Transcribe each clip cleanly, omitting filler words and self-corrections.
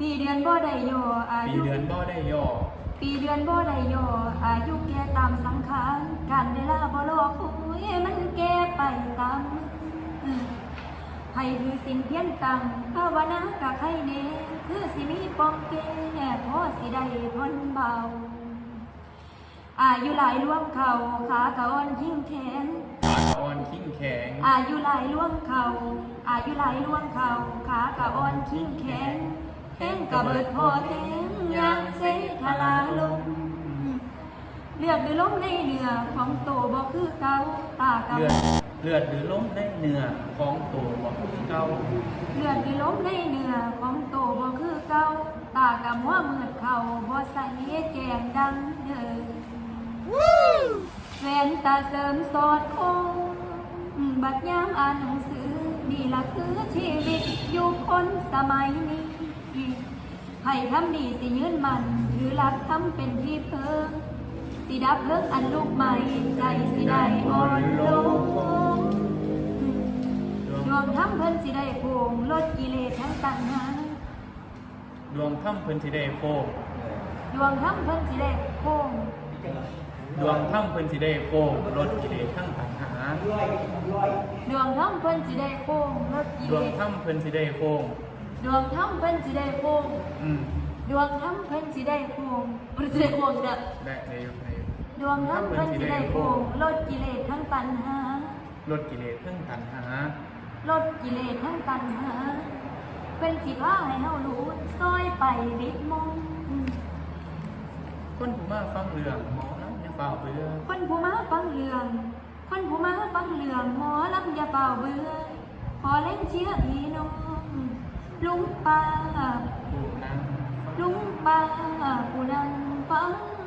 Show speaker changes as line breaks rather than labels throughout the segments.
ปีเดือนบ่ได้ย่ออา
ปี
ยุ
เดือนบ่ได้ย่อ
ปีเดือนบ่ได้ย่ออายุแก่ตามสังขารการเวลาบ่รอคอยมันแก่ไปตามมือให้ถือสิ่งเพียนตังภาวนากะใครเน่คือสิมีปองแก่พอสิได้ทนเบาอายุหลายล่วงเข่าขากะอ่อนยิ่งแข็ง
ขาอ่อนขิ้งแข็ง
อายุหลายล่วงเข่าอายุหลายล่วงเข่าขากะอ่อนขิ้งแข็งแห้งกะเบิดพอแทงยางเสทลาลงเลือดหรือล้มในเนื้อของโตบ่คือเก่าตากะ
เลือดหรือล้มในเนื้อของตัวบ่คือเก่า
เลือดหรือล้มในเนื้อของโตบ่คือเก่าตากะมัวมืดเข่าบ่ใสแจ่มดังเด้อแว่นตาเสริมสอดคงบัดยามอ่านหนังสือนี่ล่ะคือชีวิตอยู่คนสมัยนี้ให้ทำดีสิยืนมันถือหลักทำเป็นที่เพิ่งสิดับเลิกอันลูกใหม่ใจสิได้อ่อนลงดวงทำเพิ่นสิได้โปร่งลดกิเลสทั้งตัณหา
ดวงถ้ำเพิ่นสิได้โค้ง
ดวงทำเพิ่นสิได้โค้ง
ดวงถ้ำเพิ่นสิได้โค้งลดกิเลสทั้งปัญหา
ดวงทำเพิ่นสิได้โค้งลดกิ
ด
เล
วง
ส
ถ้ำเพิ่นสิได้โค้ง
ดวงทำเพิ่นสิได้โค้ง
อืม
ดวงทำเพิ่นสิได้โค้งบ่สิได้โค้งเด้อ
ได้ในยุคใน
ดวงทำเพิ่นสิได้โค้งลดกิเลสทั้งตัณหา
ลดกิเลสทั้งปัญหา
ลดกิเลสทั้งตัณหาเป็นสิพาให้เฮารู้ซอยไปวิตมง
คนผู้มาฟังเรื่องหมอนะอย่าเฝ้าเบื่อ
คนผู้มาฟังเรื่องคนผู้มาฟังเรื่องหมอลำอย่าเป่าเบื่อขอเล่นเชียร์พี่น้องลุงป้า
ผู้นั่ง
ลุงป้าผู้นั่งฟัง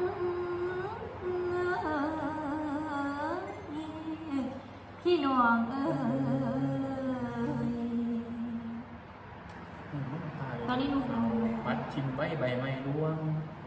พี่น้องเอ้ยตอนนี้ลุง
ปัดชิมใบใบไม้ร่วง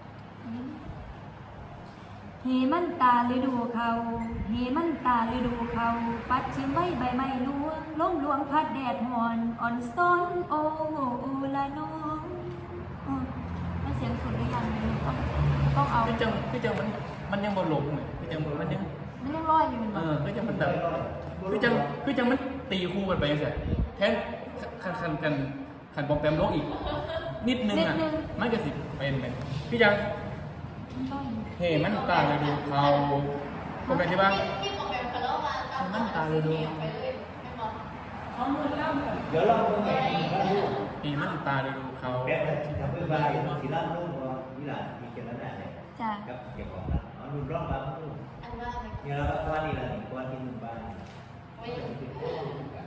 เฮมันตาฤดูเขาเฮมันตาฤดูเขาปัดชิมไว้ใบไม้ลวงล้มลวงพัดแดดหอนอ่อนซ้อนโอละน้องมันเสียงสุดหรือยังเนี่ยต้องเอา
คือจังมันยังบ่หลงเลยคือจังมันยัง
มันยังลอยอยู่
คือจังมันแบบคือจังมันตีคู่กันไปจังซี่แทนคันปอมแปมโลกอีก นิดนึงอ่ะมันก็สิเป็นเลยคือจัง เฮ้มันตาเลยดูเขาคนไปที่บ้าน
ที่ของแบบคาร์ลมาตาม
มันตาเลยดู
ไปเลยไม่บอก
เดี๋ยวเราดูไง
เฮ้มันตาเลยดูเขา
แบบทำเพื่อบ้านสีร่างรุ่งก็วิลามีเกี่ยวกับนั่นแหละ
จ้ะ
กับเกี่ยวกับนั้นเอาดูร่องบ้านรุ่ง
อันว่าอะไร
เนี่ยเราก็ว่านี่แหละนี่ว่าที่หนึ่งบ้าน
ไม่อยู่